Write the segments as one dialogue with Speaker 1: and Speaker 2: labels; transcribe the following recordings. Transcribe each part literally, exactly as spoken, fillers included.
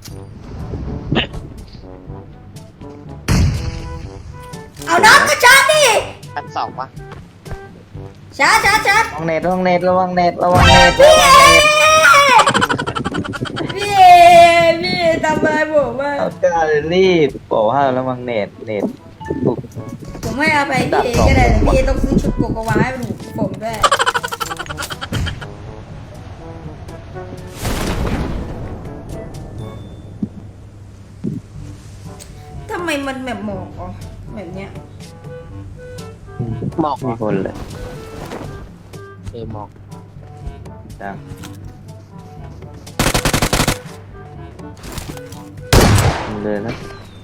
Speaker 1: เอาน็อตก็ชาร์จดิ
Speaker 2: ชั้นสองปะ
Speaker 1: ชาร์จชาร์จชาร์จ
Speaker 3: ระวังเน็ตระวังเน็ตระวังเน็ตระวังเน็ต
Speaker 1: พี่เอพี่เอพี่เอทำอะไรผมอ่ะ
Speaker 3: เอาก็รีบบอกว่าระวังเน็ตเน็ตถูก
Speaker 1: ผมไม่เอาไปพี่เอก็ได้แต่พี่เอต้องซื้อชุดโกโกวาให้หนูผมด้วยทำไมมันแบบหมอกอ่ะแบบเนี้ย
Speaker 2: หมอก
Speaker 3: มีคนเลย
Speaker 2: เออหมอก
Speaker 3: จังเลยนะ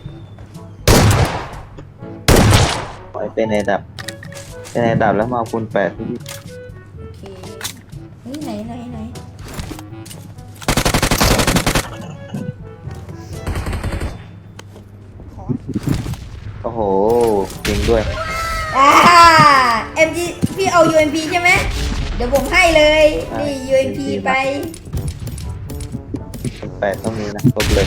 Speaker 3: ปล่อยเป็นในดับเป็นในดับแล้วมาเอาคูณแปดที่
Speaker 1: โอเคเฮ้ยไหนไหนไหนขอ
Speaker 3: โอ้โหจริงด้วย
Speaker 1: อ่า เอ็ม จี พี่เอา ยู เอ็ม พี ใช่ไหมเดี๋ยวผมให้เลย นี่ ยู เอ็ม พี ไป
Speaker 3: คูณแปดต้องมีนะครบเลย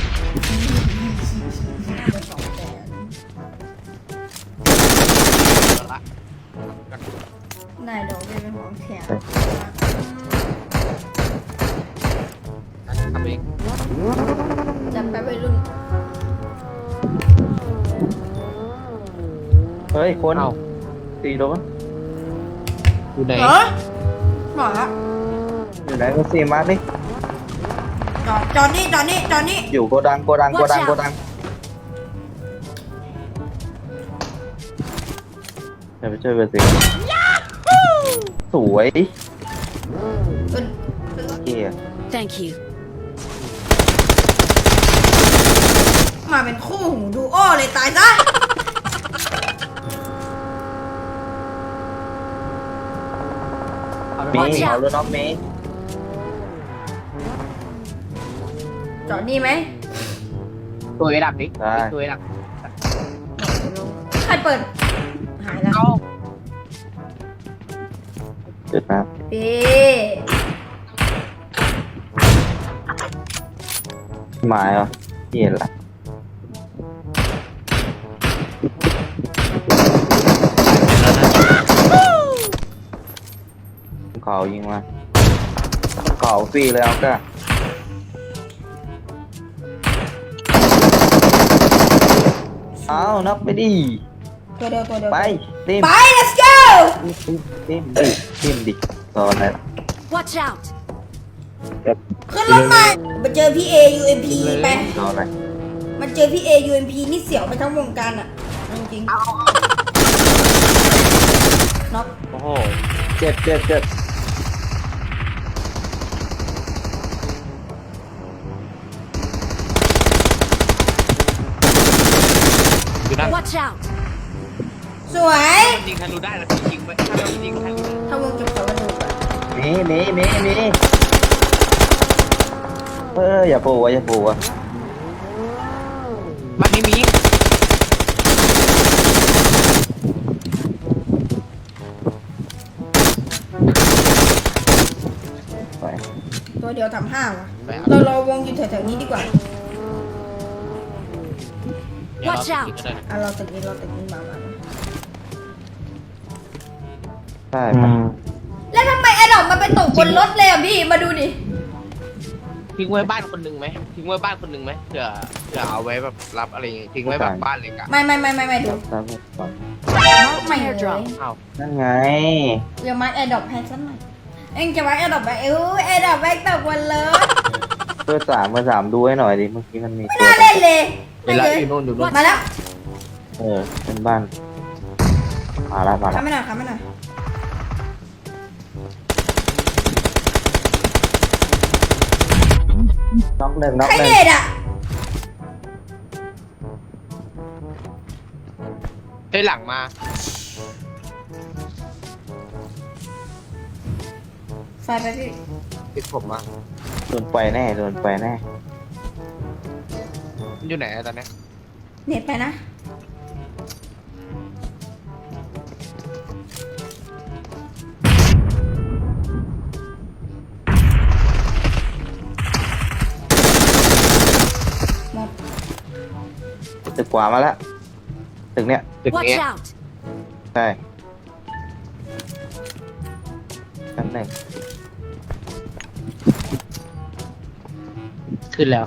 Speaker 2: ละ
Speaker 1: นายดอกเป็นของแถม
Speaker 2: ทำเอง
Speaker 1: จำไปวัยรุ่น
Speaker 3: เฮ้ยคน
Speaker 2: เอา
Speaker 3: ตีโดน
Speaker 2: อยู่ไหน
Speaker 1: เหรอหมอ
Speaker 3: อยู่ไหนก็ซีมาร์ดิ
Speaker 1: จอดจอดนี่จอดนี่จอดนี่
Speaker 3: อยู่โกดังโกดังโกดังโกดังเดี๋ยวไปช่วยเบอร์สิสวย
Speaker 1: เป็น
Speaker 3: เกีย
Speaker 4: Thank you.
Speaker 1: มาเป็นคู่หูดูโอ้เลยตายซะ
Speaker 3: มี
Speaker 4: Watch out
Speaker 3: เอาแล้วน้องเมย์
Speaker 1: จอดนี่ไหม
Speaker 2: ตัวไอ้ดับดิ
Speaker 3: ได้
Speaker 2: ตัวไอ้ดับ
Speaker 1: ใครเปิด หายแล้ว
Speaker 2: เอา
Speaker 3: จุดนะ
Speaker 1: เป๊
Speaker 3: หมายเหรอเกียละเขายิงมาเขาฟรีเลยเอาก็เอานับไปดิ
Speaker 1: ตัวเดียวตัวเดียว
Speaker 3: ไปติม
Speaker 1: ไป let's go
Speaker 3: ติมดิติมดิตอนไหนล่ะ
Speaker 4: Watch out.
Speaker 1: ขึ้นรถหน่อยมาเจอพี่เอ ยู เอ็ม พี ไป
Speaker 3: ตอนไหน
Speaker 1: มันเจอพี่เอ ยู เอ็ม พี นี่เสียวไปทั้งวงการอ่ะจริงๆน็อก
Speaker 2: โอ้โห
Speaker 3: เจ็ดเจ็ดเจ็ด
Speaker 2: อยู่นั่น
Speaker 4: Watch out.
Speaker 1: สวย
Speaker 2: ยิงทะลุได้แล้วยิงไปถ้าเรายิงทะลุ
Speaker 1: ถ้าวงจบเขากันดูก่อน
Speaker 3: มีมีมีมีเอออย่าปูวะอย่าปูวะ
Speaker 2: มันไม่มี
Speaker 3: ไป
Speaker 1: ตัวเดียวทำห้าวะ
Speaker 2: ไปเอา
Speaker 1: เราเราวงอยู่แถวๆนี้ดีกว่า
Speaker 2: เดี๋ยวเรา
Speaker 4: Watch out
Speaker 2: ยิงก็ได้
Speaker 1: อ่ะเราตึกนี้เราตึกนี้มามามา
Speaker 3: ใช่ไป
Speaker 1: แล้วทำไมไอ้ดอกมันไปตกบนรถเลยอ่ะพี่ มาดูดิ
Speaker 2: ทิ้งไว้บ้านคนหนึ่งไหมทิ้งไว้บ้านคนหนึ่งไหมเผื่อเผื่อเอาไว้แบบรับอะไรอย่างงี้ทิ้งไว้แบบบ้านเล็กอะ
Speaker 1: ไม่ไม่ไม่ไม่ไม่ดู
Speaker 3: ตามผมก่อน
Speaker 1: ไม่เลย
Speaker 4: Airdrop
Speaker 2: อ้าว
Speaker 3: นั่นไง
Speaker 1: เดี๋ยวมาแอร์ดรอปให้สักหน่อยเอ็งจะมาแอร์ดรอปไปเอ้ยแอร์ดรอปไปตกบนรถ
Speaker 3: เบอร์สามเบอร์สามดูให้หน่อยดิเมื่อกี้มันมี
Speaker 1: ไม่
Speaker 3: ตัว
Speaker 1: น่าเล่นเลย
Speaker 2: เว
Speaker 1: ไม่
Speaker 2: ลา
Speaker 1: เลย
Speaker 2: อยู่นู่นอยู่นู่น
Speaker 1: มาแล้ว
Speaker 3: เออเป็นบ้านมาละมาละ
Speaker 1: ทำไม่หน่อยทำไม่หน่อย
Speaker 3: น็อกหนึ่งน็อก
Speaker 1: ใคร
Speaker 3: หนึ่ง
Speaker 1: เด็ดอ่ะ
Speaker 2: เฮ้ยหลังมา
Speaker 1: ไฟไปพี่
Speaker 2: ติดผมมา
Speaker 3: โดนไปแน่โดนไปแน่
Speaker 2: มันอยู่ไหนอะตอนเนี้ย
Speaker 1: เน็ตไปนะ
Speaker 3: ตึกขวามาแล้วตึกเนี้ย
Speaker 2: ตึก
Speaker 4: Watch
Speaker 2: เนี้ย
Speaker 4: out!
Speaker 3: ใช่ชั้นหนึ่ง
Speaker 2: ขึ้นแล้ว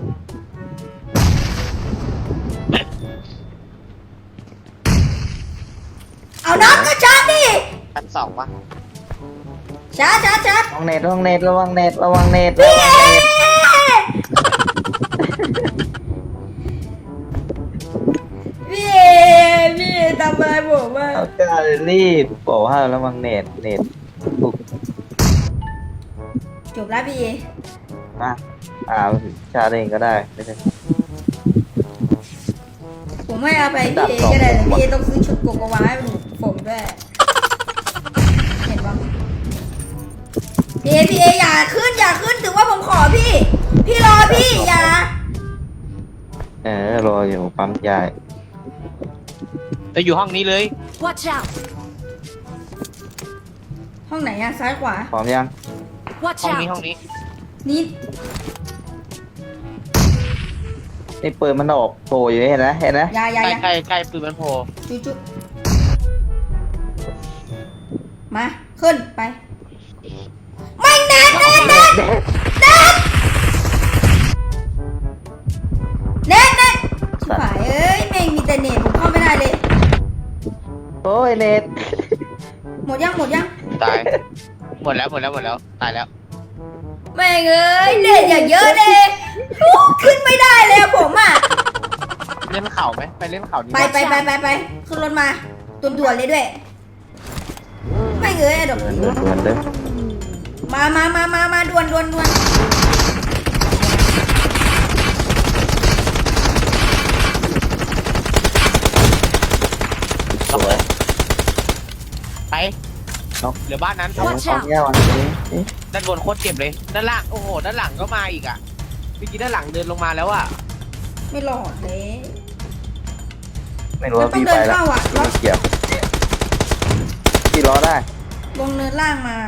Speaker 1: เอาน็อตก็ชาร์จดิ
Speaker 2: ชั้นสองปะ
Speaker 1: ชาร์จชาร์จชาร์จ
Speaker 3: ระวังเน็ตระวังเน็ตระวังเน็ตระวังเน็ตระวังเน็ต
Speaker 1: พี่เอพี่เอทำอะไรผมอ่ะ
Speaker 3: เอากล้ารีบบอกว่าระวังเน็ตเน็ตถูก
Speaker 1: จบแล้วพี่เอ
Speaker 3: มาอ่าชาร์จเองก็ได้ไม่ใช่
Speaker 1: ผมให้เอาไปพี่เอก็ได้แต่พี่เอต้องซื้อชุดโกโกวาให้ผมด้วยเห็นปะพี่เอพี่เออย่าขึ้นอย่าขึ้นถือว่าผมขอพี่ พี่รอพี่อย่า
Speaker 3: เออรออยู่ปั๊มยาย
Speaker 2: จะอยู่ห้องนี้เลย
Speaker 4: Watch out!
Speaker 1: ห้องไหนอะซ้ายขวา
Speaker 3: พร้อมยัง
Speaker 4: Watch
Speaker 2: ห้องนี้
Speaker 4: out!
Speaker 2: ห้องนี้
Speaker 1: นี่
Speaker 3: นี่ปืนมันออกโผล่อยู่เห็นไหมเห็นไหม
Speaker 1: อยาอยา
Speaker 2: ใกล้
Speaker 1: อยา
Speaker 2: ใกล้ใกล้ปืนมันโผล่
Speaker 1: จุจุมาขึ้นไปไม่แน่แน่แน่แน่แน่แน่ชิบหายเอ้ยแม่งมีแต่เน็ตผมเข้าไม่ได้เลย
Speaker 3: โอ้ยเน็ต
Speaker 1: หมดยังหมดยัง
Speaker 2: ตาย หมดแล้วหมดแล้วหมดแล้วตายแล้ว
Speaker 1: แม่งเอ้ยเน็ตอย่างเยอะเลยอู้ขึ้นไม่ได้เลยอะผมอ่ะ
Speaker 2: เล่นเข่าไหมไปเล่นเข่านี่
Speaker 1: ไปไปไปไปไปขึ้นรถมาด่วนๆเลยด้วยไม่งเอ้ยอะดอก
Speaker 3: เหมือนเหมือนเดิม
Speaker 1: มามามามามาด่วนด่วนด่วน
Speaker 3: สวย
Speaker 2: ไปเหลือบ้านนั้น
Speaker 3: เอา
Speaker 4: Watch
Speaker 3: พร้อม
Speaker 4: out
Speaker 3: ยังวันนี้เอ๊ะ
Speaker 2: ด้านบนโคตรเจ็บเลย ด้านล่าง โอ้โห ด้านหลังก็มาอีกอ่ะเมื่อกี้ด้านหลังเดินลงมาแล้วอ่ะ
Speaker 1: ไม่หลอดเลย
Speaker 3: ไม่รู้ว่าพี่ไปแล้วพี่ไม่เกี่ยวพี่รอได้
Speaker 1: ลงเนินล่างมา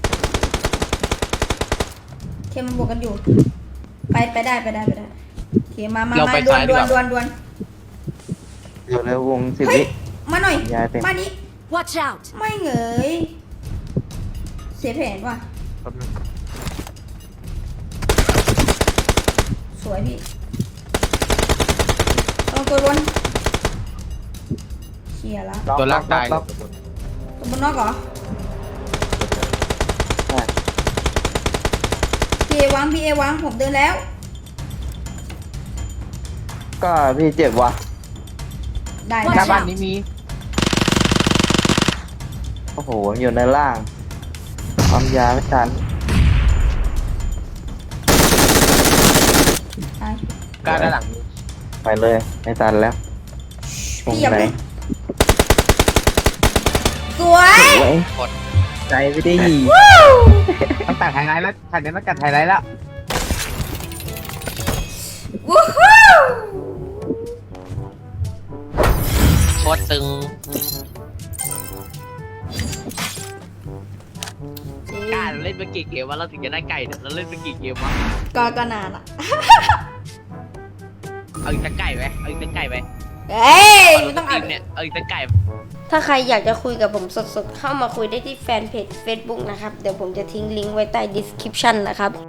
Speaker 1: เคมันบวกกันอยู่ ไปไปได้ไปได้ไปได้เคมามา
Speaker 2: เรา
Speaker 1: มา
Speaker 2: ไป
Speaker 1: ด่ว
Speaker 2: ซ้าน ยดี
Speaker 1: ด่
Speaker 2: ก
Speaker 1: วน
Speaker 2: ว่า
Speaker 1: ด่วนด่วน
Speaker 3: เดี๋ยวเร็ววงสิบ
Speaker 1: เฮ้ย
Speaker 3: วิ
Speaker 1: มาหน่อย
Speaker 3: ย้ายเต็ม
Speaker 1: มานี้
Speaker 4: Watch out!
Speaker 1: ไม่เหงยเสียแผนว่ะ
Speaker 2: แป๊บนึง
Speaker 1: สวยพี่ต้องตัวล้วนเคลียร์ละ
Speaker 2: ตัวล่างตาย
Speaker 3: ล็อก
Speaker 1: ตัวบนนอกเหรอ
Speaker 3: ใช่
Speaker 1: พี่เอวางพี่เอวางผมเดินแล้ว
Speaker 3: ก็พี่เจ็บว่ะ
Speaker 1: ได้
Speaker 2: ห
Speaker 1: ได้
Speaker 2: น้าบ้านนี้มี
Speaker 3: โอ้โหอยู่ในล่างความยาไม่ทัน
Speaker 1: ได้
Speaker 2: กล้าด้านหลังมี
Speaker 3: ไปเลยไม่ทันแล้วตรง
Speaker 1: พี่อย่า
Speaker 3: ไหน
Speaker 1: เพิ่งสวย
Speaker 3: โอ้ย
Speaker 2: กด
Speaker 3: ใจไม่ได้
Speaker 2: ต้องตัดไฮไลท์แล้วทันนี้ต้องตัดไฮไลท์แล้ว
Speaker 1: วู้ฮู้
Speaker 2: โคตรตึง กล้าเราเล่นไปกี่เกมวะเราถึงจะได้ไก่เนี่ยเราเล่นไปกี่เกมวะ
Speaker 1: ก็ก็นานละ
Speaker 2: เอาอีกสักไก่ไหมเอาอีกสักไก่ไหม
Speaker 1: เฮ้ยไม่ต้อง
Speaker 2: ที
Speaker 1: อ่าน
Speaker 2: มเนี่ยเอาอีกสักไก่
Speaker 5: ถ้าใครอยากจะคุยกับผมสดๆ เข้ามาคุยได้ที่แฟนเพจ Facebook นะครับ เดี๋ยวผมจะทิ้งลิงก์ไว้ใต้ description นะครับ